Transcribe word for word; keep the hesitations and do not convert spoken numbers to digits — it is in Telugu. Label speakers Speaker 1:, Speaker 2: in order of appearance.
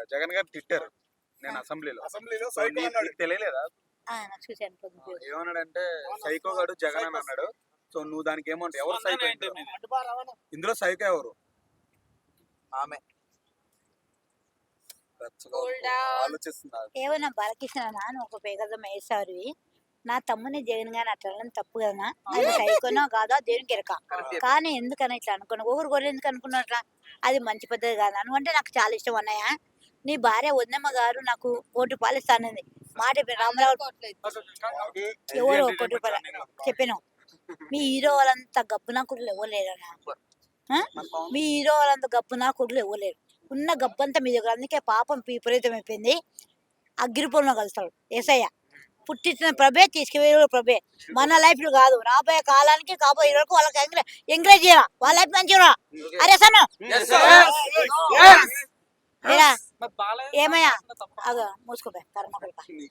Speaker 1: జగన్ గారు తిట్టారు నేను అసెంబ్లీలో
Speaker 2: అసెంబ్లీలో
Speaker 1: సో
Speaker 2: సైకో
Speaker 1: నీకు
Speaker 2: అన్నాడు.
Speaker 1: నీకు తెలియలేదా
Speaker 3: ఆ, నాకు చూశాను పొద్దున.
Speaker 1: ఏమన్నాడంటే సైకో గాడు జగన్ అని అన్నాడు సో నువ్వు దానికి ఏమంటావు ఎవరు సైకో ఇందులో? ఇందులో సైకో ఎవరు
Speaker 2: ఆమె
Speaker 1: ఆలోచిస్తున్నారు
Speaker 3: ఏమన్నా బాలకృష్ణ అని ఒక పేగదం వేసారు. నా తమ్ముని జగన్ గాని అట్లా అనడం తప్పు కదా, అది సైకోనో కాదో దేనికి ఎరక. కానీ ఎందుకని ఇట్లా అనుకున్నా, ఊరు గొర్రె ఎందుకు అనుకున్నట్లా, అది మంచి పద్ధతి కాదు. అనుకుంటే నాకు చాలా ఇష్టం అన్నయ్య. నీ భార్య వద్దమ్మ గారు నాకు కోటి రూపాయలు ఇస్తానంది మాట చెప్పిన రామరావు. ఎవరు కోటి రూపాయలు చెప్పాను. మీ హీరో వాళ్ళంతా గబ్బు నా కుట్లు ఇవ్వలేరన్నా. మీ హీరో వాళ్ళంతా గబ్బు నా కుట్లు ఇవ్వలేరు. ఉన్న గబ్బంతా మీ దగ్గర. అందుకే పాపం విపరీతం అయిపోయింది. అగ్గిరిపురంలో కలుస్తాడు ఏసయ్య. పుట్టించిన ప్రభే తీసుకువే ప్రభే. మన లైఫ్ కాదు, రాబోయే కాలానికి కాబోయే వరకు వాళ్ళకి ఎంకరేజ్ ఎంకరేజ్ చేయాల. వాళ్ళ లైఫ్ మంచిగా అరే సను ఏమయ్యా అగ మూసుకోపోయా కర్మ కొడుక.